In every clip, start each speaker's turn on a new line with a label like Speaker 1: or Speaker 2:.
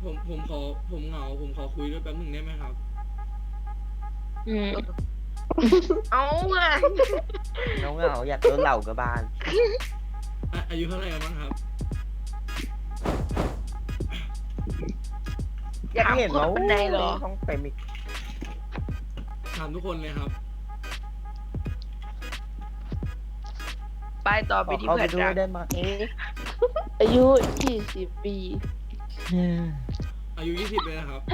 Speaker 1: ผมขอผมเหงาผมขอคุยด้วยแป๊บหนึ่งได้ไหมครับ
Speaker 2: อืม
Speaker 3: เอาไง
Speaker 4: เงาอยากโดนเหล่ากับบ้าน
Speaker 1: อายุเท่าไหร่กันบ้างครับ
Speaker 4: อยากเห็นว่า
Speaker 3: เป็นไงเหรอ
Speaker 4: ต้องเต็มอีก
Speaker 1: ถามทุกคนเลยครับ
Speaker 3: ไปต่อ
Speaker 4: ข
Speaker 3: ไป
Speaker 4: อ
Speaker 3: ที่
Speaker 4: เข้า
Speaker 3: เพื่
Speaker 4: ไป
Speaker 3: อน
Speaker 4: ด้ว
Speaker 3: รั
Speaker 4: ย
Speaker 3: ก
Speaker 4: ได้ไหม
Speaker 2: อายุ20 ปี
Speaker 1: อายุ20เลยนะครับ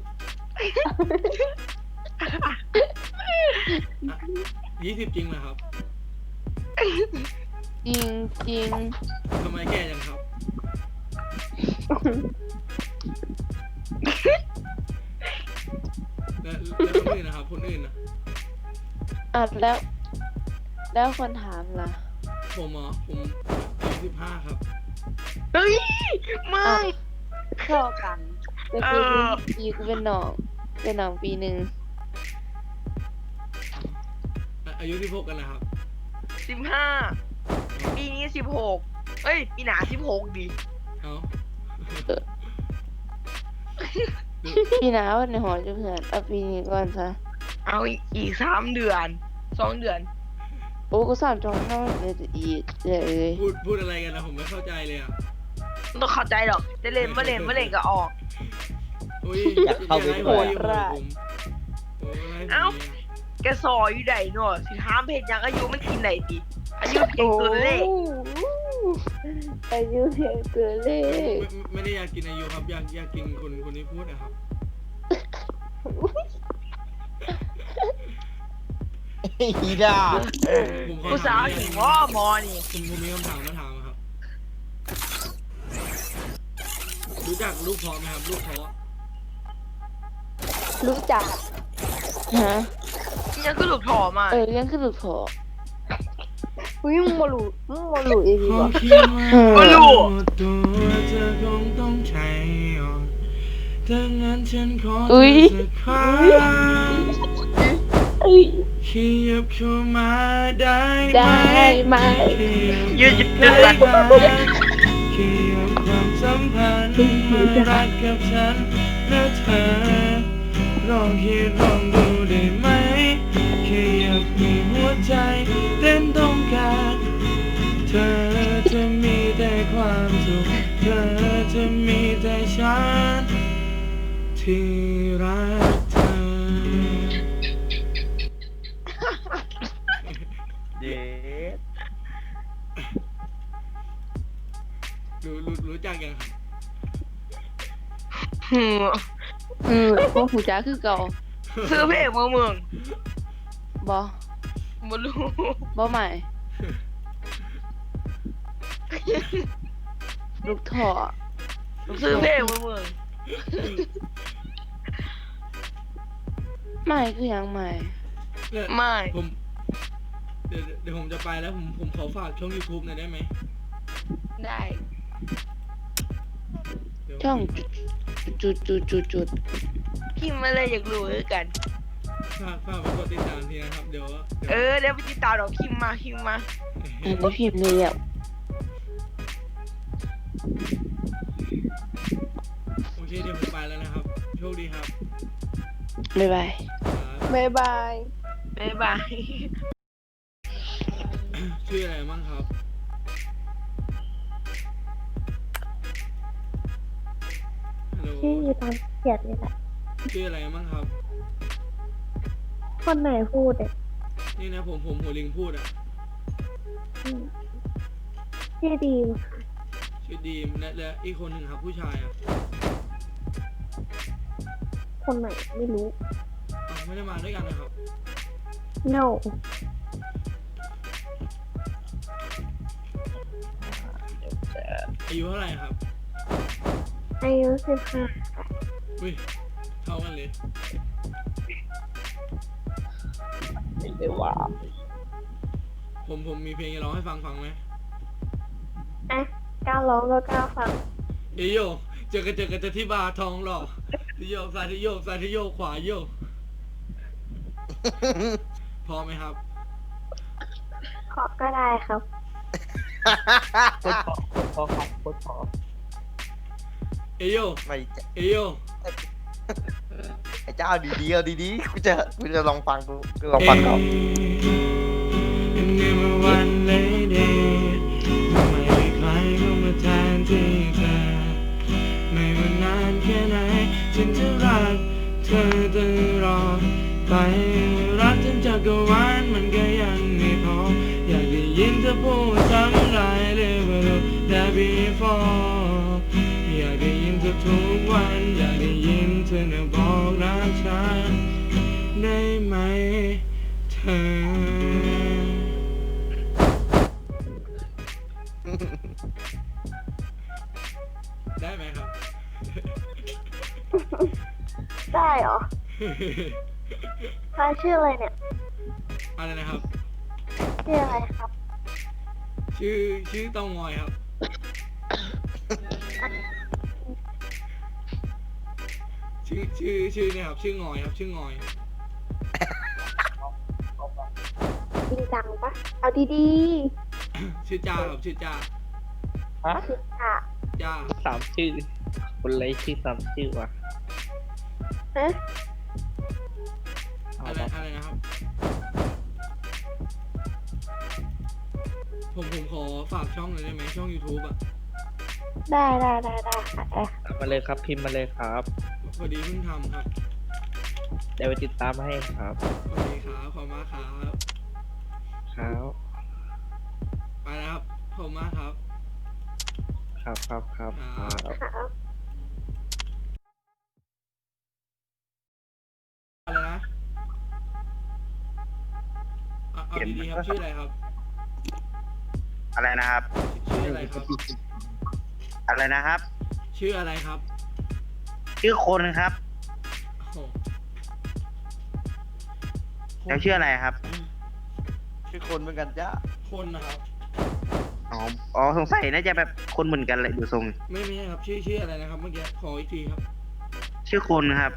Speaker 1: 20จริงเหรอครับ
Speaker 2: จริงจริง
Speaker 1: ทำไมแก่จังครับ แล้วคนอื่นนะครับคนอื่นนะ
Speaker 2: อ่ะแล้วคนถามล่ะ
Speaker 1: ผมผมอายุ15ครับ
Speaker 3: เฮ้ยมึง
Speaker 2: เข้ากันแต่คือ
Speaker 3: เออ
Speaker 2: ปีกูเป็นน้องปีหนึ่ง
Speaker 1: อายุ16กันนะครับ
Speaker 3: 15ปีนี้16เอ้ยปีหน้า16ดิ
Speaker 1: เอา
Speaker 2: ปีหน้าวันในหอจะเพื่อนเอาปีนี้ก่อนซะ
Speaker 3: เอาอีก3 เดือน2 เดือน
Speaker 2: โอ้ก็สอนจองน้องเลยจะอีกเลย
Speaker 1: พูดอะไรกันนะผมไม่เข้าใจเลยอ่ะ
Speaker 3: ไม่ต้องเข้าใจหรอกจะเล่นไม่เล่นไม่เล่นก็ออก
Speaker 1: อุ้ย
Speaker 4: อยากเข้าไป
Speaker 1: อย่
Speaker 4: ด้วย
Speaker 1: ไล่ผมอย่าไล่ผมโอ้ไล่ผม
Speaker 3: เอ้า
Speaker 1: นี่ย
Speaker 3: แกซอยอยู่ไหนเนาะสิถามเพจยังอายุมันกินไหนดิอายุเก่งตัวเลข
Speaker 2: อายุเพียงเกินเลข
Speaker 1: ไม่ได้อยากกินอายุครับ อยากกินคนที่พูดนะครับ
Speaker 4: อีด่า
Speaker 1: ผมขอ
Speaker 3: ผู้สาว
Speaker 1: ถาม
Speaker 3: ถึง
Speaker 1: หน่
Speaker 3: ว่
Speaker 1: อย
Speaker 3: มอนี่
Speaker 1: ผมมีคำถามมาถามครับ รู้จักลูกเพาะไหมครับ ลูกเพาะ
Speaker 2: รู้จักฮะ
Speaker 3: ยังก็หลุดถอมา
Speaker 2: ยังคือหลุดพออุ้ยมึงมาหลุดเองดี
Speaker 1: ข
Speaker 2: ก
Speaker 1: อ
Speaker 2: ว่า
Speaker 1: คิดว่าตัวเธอคงต้องใช้อ่อนดังนั้นฉันขอเธอสักครั้งขยับเข้ามาได้ไหม
Speaker 3: ยืด
Speaker 1: ได้
Speaker 3: กัน
Speaker 1: ไหมขยับความสัมพันธ์มารักกับฉันและเธอลองคิดลองดูได้ไหมขยับให้หัวใจเต้นต้องการเธอจะมีแต่ความสุขเธอจะมีแต่ฉันที่รักเธอ
Speaker 4: เด็ด
Speaker 1: รู้จักยังครับ
Speaker 2: พวกหูจ้าคือเก่า
Speaker 3: ซื้อเพลงมึง
Speaker 2: บอ
Speaker 3: บ่รู้
Speaker 2: บอใหม่ ลูกท่อ
Speaker 3: ซื้อเพลงมึง
Speaker 2: ใหม่คือยังใหม่
Speaker 1: เนี่ย
Speaker 3: ไม่
Speaker 1: ผมเดี๋ยวผมจะไปแล้วผมขอฝากช่อง YouTube หน่อยได้ไหม
Speaker 3: ได้
Speaker 1: เดี๋ยว
Speaker 2: ช่องจุด
Speaker 3: พิมพ์มาเลยอยากรู้ด้วยกัน
Speaker 1: ฝากไปกดติดตามทีนะครับ เดี๋ยว
Speaker 3: เดี๋ยวไปติดตามดอกพิมพ์มา
Speaker 2: อันนี้พิมพ์เลยอ่ะ
Speaker 1: โอเคเดี๋ยวผมไปแล้วนะครับ โชคดีครับ
Speaker 2: บ๊ายบาย
Speaker 1: ครับ
Speaker 2: บ๊ายบาย
Speaker 3: บ๊ายบาย
Speaker 1: ชื่ออะไรมั่งครับ ฮัลโหล
Speaker 5: ที่ตามเขียนนี่แหละ
Speaker 1: ชื่ออะไรมั่งครับ
Speaker 5: คนไหนพูดเนี่ย
Speaker 1: นี่นะผมหัวลิงพูดอ่ะ
Speaker 5: อืมชื่อดีมค่ะ
Speaker 1: ชื่อดีมและอีกคนหนึ่งครับ ผู้ชายอ่ะ
Speaker 5: คนไหนไม่รู้
Speaker 1: อ้าวไม่ได้มาด้วยกันนะครับ
Speaker 5: no
Speaker 1: อายุเท่าไหร่ครับ
Speaker 5: อายุ15
Speaker 1: อุ้ยเท่ากันเลย
Speaker 4: ไม่ได้ว่า
Speaker 1: ผมมีเพลงจะร้องให้ฟังไหม
Speaker 5: อ่ะก้าวร้องก็ก้าวฟัง
Speaker 1: เอยโยเจอกันที่บาร์ทองหล่อที่โยกซ้ายที่โยกซ้ายที่โยกขวาโยก พอไหมครับ
Speaker 5: ขอก็ได้ครับ
Speaker 4: โคตรพอครับโคตรพอ
Speaker 1: เอโย
Speaker 4: ไม่
Speaker 1: เอโย
Speaker 4: ไอ้เจ้าดีๆเอาดีๆกูจะลองฟังกูลองฟังก่อน
Speaker 1: ในเมื่อวันเลยเดย์ไม่มีใครเข้ามาแทนที่เธอไม่ว่านานแค่ไหนฉันจะรักเธอตลอดไปรักจนจักรวาลมันก็ยังไม่พออยากได้ยินเธอพูดซ้ำหลายเลยว่าเราได้ before อยากได้ยินเธอทุกวันอยากได้ยินเธอน่ะบอกรักฉันได้ไหมเธอได้ไหมครับ
Speaker 5: ได้เหรอใครชื่ออะไรเนี่ย
Speaker 1: อะไรนะครับ
Speaker 5: ชื่ออะไรครับ
Speaker 1: ชื่อเตางอยครับ ชื่อเนี่ยครับ ชื่องอยครับ ชื่องอย
Speaker 5: จริงจังปะเอาดี
Speaker 1: ชื่อจ้าครับ ชื่อจ้า
Speaker 4: ฮะ
Speaker 5: ๆชื่อค่ะ
Speaker 1: จ้า
Speaker 6: สามชื่อ คนไรชื่อสามชื่อวะ
Speaker 5: ฮะ
Speaker 1: อะไรนะครับ ผมขอฝากช่องหน่อยได้ไหมช่อง YouTube อ่ะ
Speaker 5: ได้ค่ะ
Speaker 6: มาเลยครับพิมพ์มาเลยครับ
Speaker 1: พอดีเพิ่งทำครับ
Speaker 6: เดี๋ยวไปติดตามให้ครับ
Speaker 1: โอเคครับ ขอบคุณมากครับ
Speaker 6: ครับ
Speaker 1: ไปแล้วครับ ขอบคุณมากครับ
Speaker 6: ครับ
Speaker 5: ครับ
Speaker 1: อะไรนะเอาดีๆครับ ชื่ออะไรครับ
Speaker 7: อะไรนะครับ
Speaker 1: ชื่ออะไรครับ
Speaker 7: อะไรนะครับ
Speaker 1: ชื่ออะไรครับ
Speaker 7: ชื่อคนครับ
Speaker 1: โอ้โห
Speaker 7: แล้วชื่ออะไรครับ
Speaker 4: ชื่อคนเหมือนกันจ้า
Speaker 1: คนนะครับ
Speaker 7: อ๋อสงสัยน่าจะแบบคนเหมือนกันเลยดูทรง
Speaker 1: ไม่ใช่ครับ ชื่ออะไรนะครับ เมื่อกี้ ขออีกทีครับ
Speaker 7: ชื่อคนครับ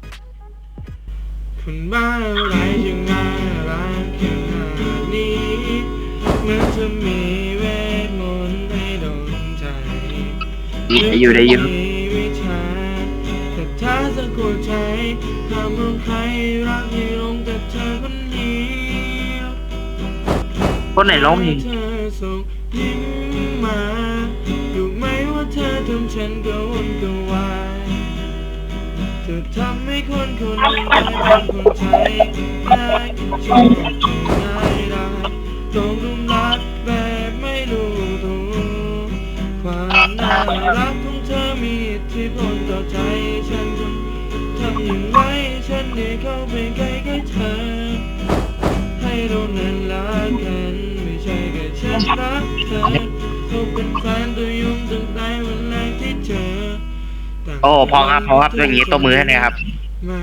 Speaker 1: คนบ้าอะไรจึงน่ารักขนาดนี้เหมือนจะมีเวทมนต์ให้โดนใจ
Speaker 7: ได้อยู่
Speaker 1: มีวิชาแต่ถ้าสะกดใจห้ามมองใครรักให้ลงแต่เธอคนเดียว
Speaker 7: คนไหนร้องเพลง
Speaker 1: เธอส่งยิ้มมารู้ไหมว่าเธอทำฉันกระวนกระวายเธอทำให้คนคนหนึ่งได้เป็นคนไทยได้ชอบง่ายได้ตกหลุมรักแบบไม่รู้ตัวความน่ารักของเธอมีอิทธิพลต่อใจฉันทำอย่างไรฉันได้เข้าไปใกล้ๆเธอให้เรานั้นรักกันไม่ใช่แค่ฉันรักเธอเขาเป็นแฟนตัวยุ่งตั้งแต่วันแรกที่เจอ
Speaker 7: โอ้พอครับอย่างนี้ตัวมือให้หน่อยครับ
Speaker 1: มา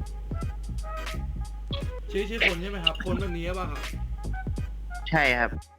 Speaker 1: ชื่อคนใช่ไหมครับ คนแบบนี้ป่ะครับ
Speaker 7: ใช่ครับ